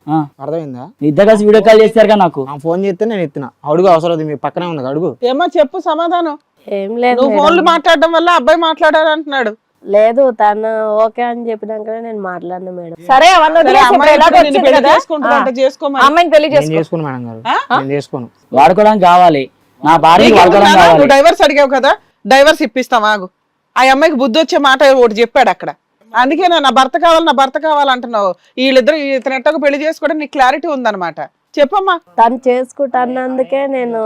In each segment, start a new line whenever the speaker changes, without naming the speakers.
అర్థమైందా?
ఇద్దరు కలిసి వీడియో కాల్ చేస్తారు నాకు.
ఫోన్ చేస్తే నేను ఎత్తిన. అడుగు, అవసరం మీ పక్కనే ఉంది, అడుగు.
ఏమో చెప్పు సమాధానం.
ఏం లేదు
నువ్వు ఫోన్లు మాట్లాడడం వల్ల అబ్బాయి మాట్లాడారు అంటున్నాడు.
లేదు, తను ఓకే అని చెప్పినాకనే నేను మాట్లాడినా మేడం.
సరే అవన్నీ వదిలేసి ఇప్పుడు ఎలాగో వచ్చింది కదా, అమ్మాయిని పెళ్లి
నేను చేసుకోను మేడం గారు, నేను చేసుకోను.
వాడుకోవడానికి కావాలి, నా భార్య వాడుకోవడానికి కావాలి.
నువ్వు డైవర్స్ అడిగావు కదా, డైవర్స్ ఇప్పిస్తాం ఆగు. ఆ అమ్మాయికి బుద్ధి వచ్చే మాట ఒకటి చెప్పాడు అక్కడ. అందుకే నా భర్త కావాలి, నా భర్త కావాలంటున్నావు. వీళ్ళిద్దరు ఇతను ఎట్టకు పెళ్లి చేసుకోవడం నీకు క్లారిటీ ఉందన్నమాట. చెప్పమ్మా.
తను చేసుకుంటానందుకే నేను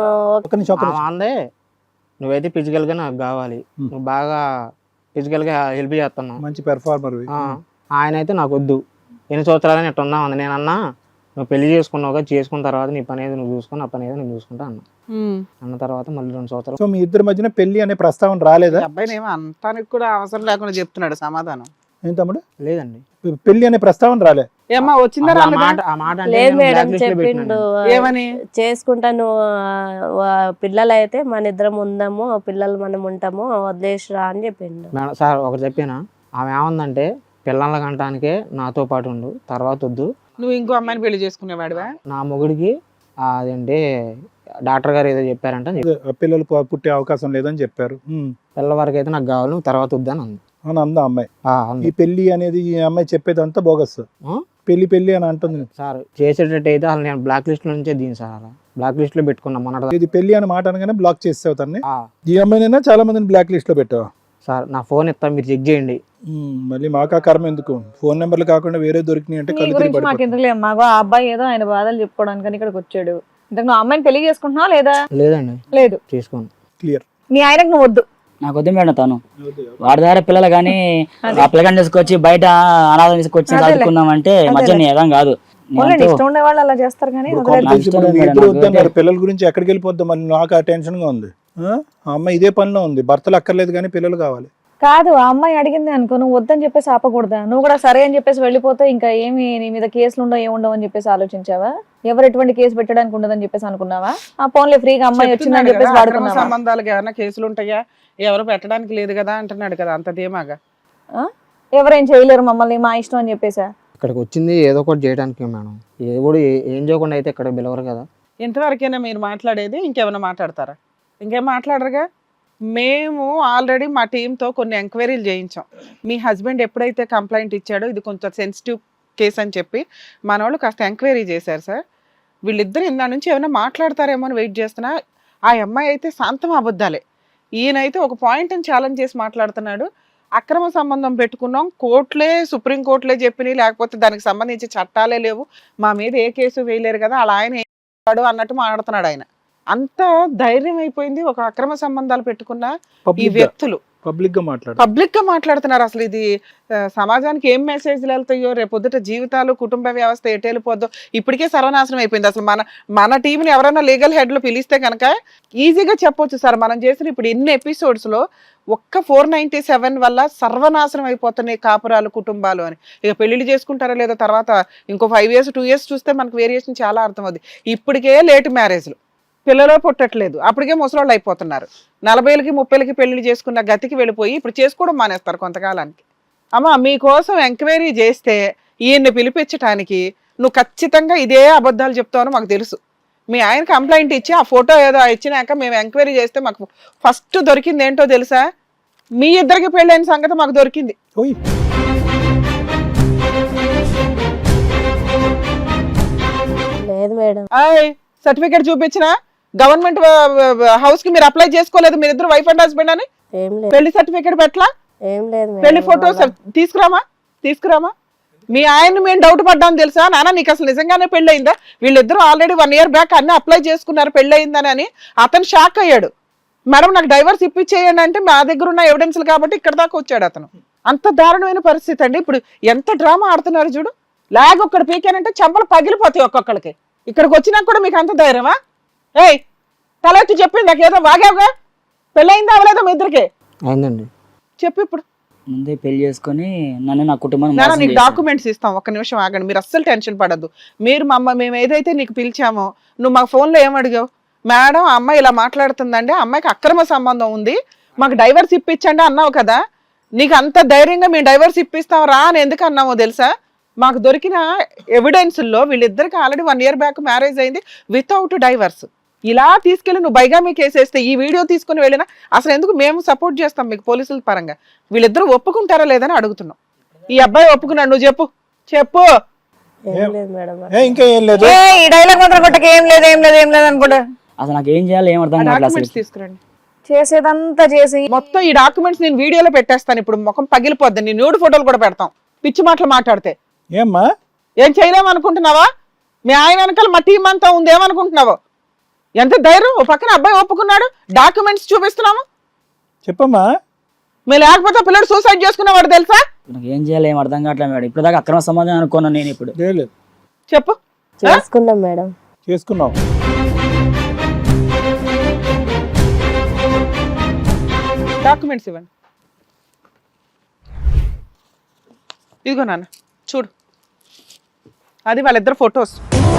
అందే నువ్వైతే ఫిజికల్ గా నాకు కావాలి, నువ్వు బాగా ఫిజికల్ గా హెల్ప్ చేస్తున్నావు,
మంచి పెర్ఫార్మర్.
ఆయన అయితే నాకు వద్దు. ఎన్ని సంవత్సరాలని ఎట్లా ఉందా ఉంది. నేను అన్నా నువ్వు పెళ్లి చేసుకున్నావుగా, చేసుకున్న తర్వాత నీ పని ఏదో నువ్వు చూసుకుని, ఆ పని ఏదో నేను చూసుకుంటా అన్న తర్వాత మళ్ళీ 2 సంవత్సరాలు.
సో మీ ఇద్దరి మధ్యన పెళ్లి అనే ప్రస్తావన రాలేదా?
అబ్బాయి ఏమో అంతానికి కూడా అవసరం లేకుండా చెప్తున్నాడు సమాధానం.
ఏం తమ్ముడు?
లేదండి,
పెళ్లి అనే ప్రస్తావన రాలే.
ఏమ్మా వచ్చిందా?
లేదు మేడం, చెప్పిండు
ఏమని,
చేసుకుంటాను పిల్లలు అయితే మన ఇద్దరం ఉందాము, పిల్లలు మనం ఉంటాము, వదిలేసిరా అని చెప్పిండు.
మేడం సార్ ఒకటి చెప్పానా, ఆమె ఏమందంటే పిల్లల కంటానికే నాతో పాటు ఉండు, తర్వాత వద్దు.
నువ్వు ఇంకో అమ్మాయిని పెళ్లి చేసుకునేవాడివా?
నా మొగుడికి అదేంటి డాక్టర్ గారు ఏదో చెప్పారంట,
పిల్లలు పుట్టే అవకాశం లేదని చెప్పారు.
పిల్లల వరకు అయితే నాకు కావాలి, నువ్వు తర్వాత వద్దని అంది.
అని అందా అమ్మాయి. ఈ పెళ్లి అనేది ఈ అమ్మాయి చెప్పేదంతా బోగస్. పెళ్లి అని అంటుంది
సార్. చేసేటట్టు అయితే అసలు నేను బ్లాక్ లిస్ట్ లో నుంచే దీని సార్, అలా బ్లాక్ లిస్ట్ లో పెట్టుకున్నా మొన్న.
ఇది పెళ్లి అని మాట అనగానే బ్లాక్ చేస్తావు తన్ని. ఈ అమ్మాయినైనా చాలా మందిని బ్లాక్ లిస్ట్ లో పెట్టావు
సార్. నా ఫోన్ ఇస్తా, మీరు చెక్ చేయండి.
మళ్ళీ మాకా కర్మ ఎందుకు, ఫోన్ నెంబర్లు కాకుండా వేరే దొరికినాయి అంటే
మాకు ఎందుకు లేదు. మాకు ఆ అబ్బాయి ఏదో ఆయన బాధలు చెప్పుకోవడానికి ఇక్కడికి వచ్చాడు. ఇంతకు నువ్వు అమ్మాయిని పెళ్లి చేసుకుంటున్నావా లేదా?
లేదండి,
లేదు,
చేసుకోను.
క్లియర్.
నీ ఆయనకు నువ్వు వద్దు.
నాకు వద్దు మేడం, తను వాడి దగ్గర పిల్లలు కానీ ఆ పిల్లగాని తీసుకొచ్చి బయట అనాథం తీసుకొచ్చి చదువుకున్నాం అంటే మధ్య ఏదం కాదు.
ఇష్టం ఉండే వాళ్ళు అలా చేస్తారు కానీ
పిల్లల గురించి ఎక్కడికి వెళ్ళిపోద్దాం మళ్ళీ, నాకు ఆ టెన్షన్ గా ఉంది. ఆ అమ్మాయి ఇదే పనిలో ఉంది, భర్తలు అక్కర్లేదు కానీ పిల్లలు కావాలి.
కాదు, ఆ అమ్మాయి అడిగింది అనుకో, నువ్వు వద్దని చెప్పేసి ఆపకూడదా? నువ్వు కూడా సరే అని చెప్పేసి వెళ్ళిపోతే ఇంకా ఏమి నీ మీద కేసులు ఉండవు, ఏముండవు అని చెప్పేసి ఆలోచించావా? ఎవరు ఎటువంటి కేసు పెట్టడానికి ఉండదని చెప్పేసి అనుకున్నావా? ఆ ఫోన్లే ఫ్రీగా అమ్మాయి వచ్చిందని చెప్పేసి వాడుకున్నావా?
సంబంధాలకు ఏమైనా కేసులు ఉంటాయా? ఎవరు పెట్టడానికి లేదు కదా అంటున్నాడు కదా, అంత ధీమాగా.
ఎవరేం చేయలేరు మమ్మల్ని, మా ఇష్టం అని చెప్పేసా?
ఇక్కడికి వచ్చింది ఏదో ఒకటి చేయడానికి మేడం, ఏదో ఏం చేయకుండా అయితే ఇక్కడ పిలవరు కదా.
ఇంతవరకైనా మీరు మాట్లాడేది, ఇంకేమైనా మాట్లాడతారా? ఇంకేం మాట్లాడరుగా. మేము ఆల్రెడీ మా టీంతో కొన్ని ఎంక్వైరీలు చేయించాం. మీ హస్బెండ్ ఎప్పుడైతే కంప్లైంట్ ఇచ్చాడో ఇది కొంచెం సెన్సిటివ్ కేసు అని చెప్పి మన వాళ్ళు కాస్త ఎంక్వైరీ చేశారు సార్. వీళ్ళిద్దరు ఇందా నుంచి ఏమైనా మాట్లాడతారేమో అని వెయిట్ చేస్తున్నా. ఆ అమ్మాయి అయితే శాంతం అబద్ధాలే, ఈయనైతే ఒక పాయింట్ని ఛాలెంజ్ చేసి మాట్లాడుతున్నాడు. అక్రమ సంబంధం పెట్టుకున్నాం, కోర్టులే సుప్రీం కోర్టులే చెప్పినాయి, లేకపోతే దానికి సంబంధించి చట్టాలే లేవు, మా మీద ఏ కేసు వేయలేరు కదా, అలా ఆయన ఏడు అన్నట్టు మాట్లాడుతున్నాడు. ఆయన అంత ధైర్యం అయిపోయింది. ఒక అక్రమ సంబంధాలు పెట్టుకున్న ఈ వ్యక్తులు
పబ్లిక్
గా మాట్లాడుతున్నారు. అసలు ఇది సమాజానికి ఏం మెసేజ్లు వెళ్తాయో, రేపొద్దుట జీవితాలు, కుటుంబ వ్యవస్థ ఎటు వెళ్ళిపోద్దో. ఇప్పటికే సర్వనాశనం అయిపోయింది. అసలు మన టీంని ఎవరైనా లీగల్ హెడ్లు పిలిస్తే కనుక ఈజీగా చెప్పొచ్చు సార్, మనం చేసిన ఇప్పుడు ఇన్ని ఎపిసోడ్స్ లో ఒక్క 497 వల్ల సర్వనాశనం అయిపోతున్నాయి కాపురాలు, కుటుంబాలు అని. ఇక పెళ్లిళ్ళు చేసుకుంటారా లేదా తర్వాత ఇంకో 5 years 2 years చూస్తే మనకు వేరియేషన్ చాలా అర్థమవుతుంది. ఇప్పటికే లేట్ మ్యారేజ్లు, పిల్లలు పుట్టట్లేదు, అప్పటికే ముసలోళ్ళు అయిపోతున్నారు. 40 30 పెళ్లి చేసుకున్న గతికి వెళ్ళిపోయి ఇప్పుడు చేసుకోవడం మానేస్తారు కొంతకాలానికి. అమ్మ మీకోసం ఎంక్వైరీ చేస్తే ఈయన్ని పిలిపించడానికి నువ్వు ఖచ్చితంగా ఇదే అబద్ధాలు చెప్తావని మాకు తెలుసు. మీ ఆయన కంప్లైంట్ ఇచ్చి ఆ ఫోటో ఏదో ఇచ్చినాక మేము ఎంక్వైరీ చేస్తే మాకు ఫస్ట్ దొరికింది ఏంటో తెలుసా? మీ ఇద్దరికి పెళ్ళైన సంగతి మాకు దొరికింది.
లేదు మేడం,
సర్టిఫికేట్ చూపించిన గవర్నమెంట్ హౌస్ కి మీరు అప్లై చేసుకోలేదు, మీరు ఇద్దరు వైఫ్ అండ్ హస్బెండ్ అని. పెళ్లి సర్టిఫికేట్ పెట్టలా, పెళ్లి ఫోటోస్ తీసుకురామా. మీ ఆయన మేము డౌట్ పడ్డాం తెలుసా, నాన్న నీకు అసలు నిజంగానే పెళ్లి అయిందా? వీళ్ళిద్దరూ ఆల్రెడీ 1 year బ్యాక్ అన్ని అప్లై చేసుకున్నారు పెళ్లి అయిందని అని. అతను షాక్ అయ్యాడు. మేడం నాకు డైవర్స్ ఇప్పించేయండి అంటే మా దగ్గర ఉన్న ఎవిడెన్స్లు కాబట్టి ఇక్కడ దాకా వచ్చాడు అతను. అంత దారుణమైన పరిస్థితి అండి. ఇప్పుడు ఎంత డ్రామా ఆడుతున్నారు చూడు. లాగ్ ఒక్కడు పీకానంటే చెంపలు పగిలిపోతాయి ఒక్కొక్కడికి. ఇక్కడికి వచ్చినాక కూడా మీకు అంత ధైర్యమా? ఏయ్ తలెత్తి చెప్పింది నాకు, ఏదో వాగావుగా, పెళ్ళయిందా అవలేదా మీ ఇద్దరికి?
అయిందండి.
చెప్పు ఇప్పుడు.
ముందే పెళ్లి చేసుకుని నన్ను నా కుటుంబం
నీకు డాక్యుమెంట్స్ ఇస్తాం, ఒక్క నిమిషం ఆగండి, మీరు అస్సలు టెన్షన్ పడద్దు. మీరు మేము ఏదైతే నీకు పిలిచామో నువ్వు మా ఫోన్లో ఏమడిగావు? మేడం ఆ అమ్మాయి ఇలా మాట్లాడుతుందండి, ఆ అమ్మాయికి అక్రమ సంబంధం ఉంది, మాకు డైవర్స్ ఇప్పించండి అన్నావు కదా. నీకు అంత ధైర్యంగా మేము డైవర్స్ ఇప్పిస్తాం రా అని ఎందుకు అన్నామో తెలుసా? మాకు దొరికిన ఎవిడెన్స్లో వీళ్ళిద్దరికి ఆల్రెడీ 1 year బ్యాక్ మ్యారేజ్ అయింది వితౌట్ డైవర్స్. ఇలా తీసుకెళ్ళి నువ్వు బైగామీ కేసు వేస్తే ఈ వీడియో తీసుకుని వెళ్ళినా అసలు ఎందుకు మేము సపోర్ట్ చేస్తాం మీకు పోలీసుల పరంగా? వీళ్ళిద్దరూ ఒప్పుకుంటారా లేదని అడుగుతున్నాం. ఈ అబ్బాయి ఒప్పుకున్నాడు, నువ్వు చెప్పు చెప్పు.
ఏం లేదు మేడం.
ఇంకా ఏం లేదు.
ఈ డైలాగ్ మాత్రం కొట్టక ఏం లేదు ఏం లేదు ఏం లేదు అనుకుంటా.
అసలు నాకు ఏం చేయాలి ఏం అర్థం కావట్లేదు
డాక్యుమెంట్స్
అసలు.
తీసుకురండి.
చేసేదంతా చేసి
మొత్తం ఈ డాక్యుమెంట్స్ నేను వీడియోలో పెట్టేస్తాను. ఇప్పుడు ముఖం పగిలిపోద్ది. నీ న్యూడ్ ఫోటోలు కూడా పెడతాం పిచ్చి మాటలు మాట్లాడితే.
ఏమ్మా
ఏం చేయలేమనుకుంటున్నావా? మీ ఆయన వెనకాల మా టీం అంతా ఉంది ఏమనుకుంటున్నావో? ఎంత ధైర్యం! ఓ పక్కన అబ్బాయి ఒప్పుకున్నాడు, డాక్యుమెంట్స్ చూపిస్తున్నాము.
చెప్పమ్మా.
మీరు లేకపోతే పిల్లడు సూసైడ్ చేసుకున్నవాడు తెలుసా?
నాకు ఏం చేయాలి ఏం అర్థం కావట్లేదు మేడం. ఇప్పుడు దాకా అక్రమ సంబంధం అనుకున్నాను నేను. ఇప్పుడు
లేదు
చెప్పు.
చేసుకున్నాం మేడం.
చేసుకున్నావు.
డాక్యుమెంట్స్ ఇవ్వండి. ఇదిగో నాన్న చూడు, అది వాళ్ళిద్దరు ఫొటోస్.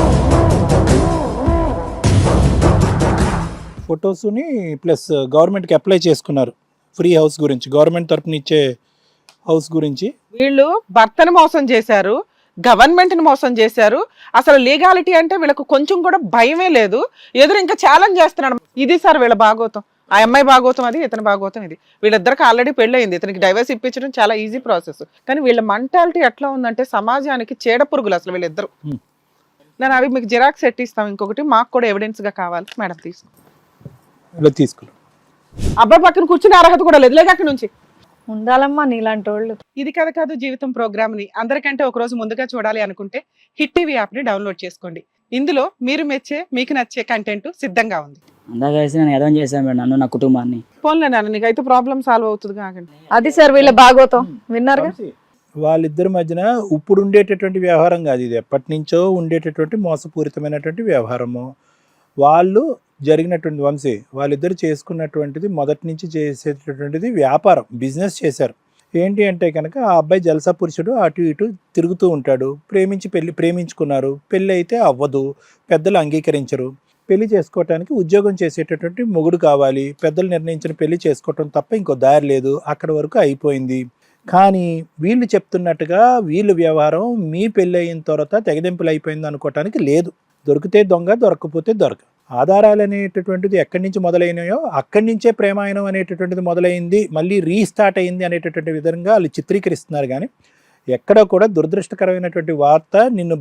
ఫొటోస్ని ప్లస్ గవర్నమెంట్కి అప్లై చేసుకున్నారు ఫ్రీ హౌస్ గురించి, గవర్నమెంట్ తరపున ఇచ్చే హౌస్ గురించి.
వీళ్ళు భర్తను మోసం చేశారు, గవర్నమెంట్ని మోసం చేశారు. అసలు లీగాలిటీ అంటే వీళ్ళకు కొంచెం కూడా భయమే లేదు. ఎదురు ఇంకా ఛాలెంజ్ చేస్తున్నాడు. ఇది సార్ వీళ్ళ భాగోతం. ఆ అమ్మాయి భాగోతం అది, ఇతని భాగోతం ఇది. వీళ్ళిద్దరికి ఆల్రెడీ పెళ్ళయింది. ఇతనికి డైవర్స్ ఇప్పించడం చాలా ఈజీ ప్రాసెస్. కానీ వీళ్ళ మెంటాలిటీ ఎట్లా ఉందంటే సమాజానికి చీడ పురుగులు అసలు వీళ్ళిద్దరు. నేను అవి మీకు జిరాక్స్ ఎట్టిస్తాం. ఇంకొకటి మాకు కూడా ఎవిడెన్స్ గా కావాలి మేడం.
తీసుకున్నాం.
అబ్బాయి పక్కన కూర్చునే అర్హత కూడా లేదు. లేక అక్కడి నుంచి
ఉండాలమ్మా నీలాంటి వాళ్ళు.
ఇది కథ కాదు జీవితం ప్రోగ్రామ్ ని అందరికంటే ఒక రోజు ముందుగా చూడాలి అనుకుంటే హిట్ టీవీ యాప్ ని డౌన్లోడ్ చేసుకోండి. ఇందులో మీరు మెచ్చే మీకు నచ్చే కంటెంట్ సిద్ధంగా ఉంది.
అందాక వేసి నేను ఎదం చేశాను మేడం నన్ను నా కుటుంబాన్ని.
ఫోన్లే నాన్న, నీకైతే ప్రాబ్లం సాల్వ్ అవుతుంది కాకండి.
అది సార్ వీళ్ళ భాగోతం విన్నారుగా.
వాళ్ళిద్దరి మధ్యన ఇప్పుడు ఉండేటటువంటి వ్యవహారం కాదు ఇది. ఎప్పటి నుంచో ఉండేటటువంటి మోసపూరితమైనటువంటి వ్యవహారము. వాళ్ళు జరిగినటువంటి వంశీ వాళ్ళిద్దరు చేసుకున్నటువంటిది మొదటి నుంచి చేసేటటువంటిది వ్యాపారం, బిజినెస్ చేశారు. ఏంటి అంటే కనుక ఆ అబ్బాయి జలసా పురుషుడు, అటు ఇటు తిరుగుతూ ఉంటాడు. ప్రేమించుకున్నారు. పెళ్ళి అయితే అవ్వదు, పెద్దలు అంగీకరించరు. పెళ్లి చేసుకోవటానికి ఉద్యోగం చేసేటటువంటి మొగుడు కావాలి. పెద్దలు నిర్ణయించిన పెళ్లి చేసుకోవటం తప్ప ఇంకో దారి లేదు. అక్కడ వరకు అయిపోయింది. కానీ వీళ్ళు చెప్తున్నట్టుగా వీళ్ళు వ్యవహారం మీ పెళ్ళి అయిన తర్వాత తెగదెంపులు అయిపోయింది అనుకోవటానికి లేదు. దొరికితే దొంగ, దొరకకపోతే దొరక. ఆధారాలు అనేటటువంటిది ఎక్కడి నుంచి మొదలైనాయో అక్కడి నుంచే ప్రేమాయణం అనేటటువంటిది మొదలైంది, మళ్ళీ రీస్టార్ట్ అయింది అనేటటువంటి విధంగా వాళ్ళు చిత్రీకరిస్తున్నారు. కానీ ఎక్కడ కూడా దురదృష్టకరమైనటువంటి వార్త,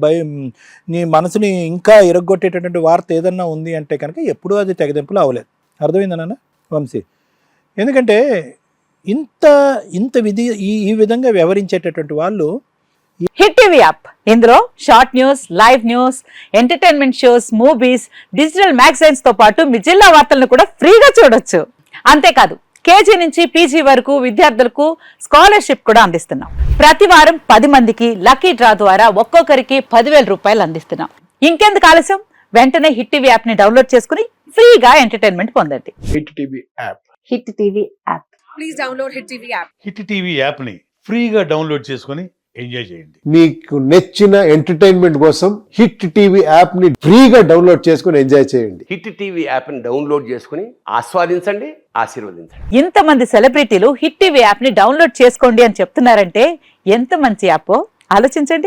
నీ మనసుని ఇంకా ఇరగొట్టేటటువంటి వార్త ఏదన్నా ఉంది అంటే కనుక ఎప్పుడూ అది తెగదెంపులు అవ్వలేదు. అర్థమైందా నాన్న వంశీ? ఎందుకంటే ఇంత ఈ విధంగా వ్యవహరించేటటువంటి వాళ్ళు.
హిట్ టీవీ యాప్, ఇందులో short news, live news, entertainment shows, movies, digital magazines తో పాటు మీ జిల్లా వార్తలను కూడా ఫ్రీగా చూడొచ్చు. అంతేకాదు కేజీ నుంచి పీజీ వరకు విద్యార్థులకు స్కాలర్షిప్ కూడా అందిస్తున్నాం. ప్రతి వారం 10 మందికి లక్కీ డ్రా ద్వారా ఒక్కొక్కరికి 10,000 రూపాయలు అందిస్తున్నాం. ఇంకెందుకు ఆలస్యం, వెంటనే హిట్ టీవీ యాప్ ని డౌన్లోడ్ చేసుకుని ఫ్రీగా ఎంటర్టైన్మెంట్ పొందండి.
Hit TV app.
Hit TV app.
Please download hit TV app.
Hit TV app ని ఫ్రీగా డౌన్లోడ్ చేసుకొని ఎంజాయ్ చేయండి.
మీకు నచ్చిన ఎంటర్టైన్మెంట్ కోసం హిట్ టీవీ యాప్ ని ఫ్రీగా డౌన్లోడ్ చేసుకొని ఎంజాయ్ చేయండి.
హిట్ టీవీ యాప్ ని డౌన్లోడ్ చేసుకుని ఆస్వాదించండి, ఆశీర్వదించండి.
ఇంతమంది సెలబ్రిటీలు హిట్ టీవీ యాప్ ని డౌన్లోడ్ చేసుకోండి అని చెప్తున్నారంటే ఎంత మంచి యాప్ ఆలోచించండి.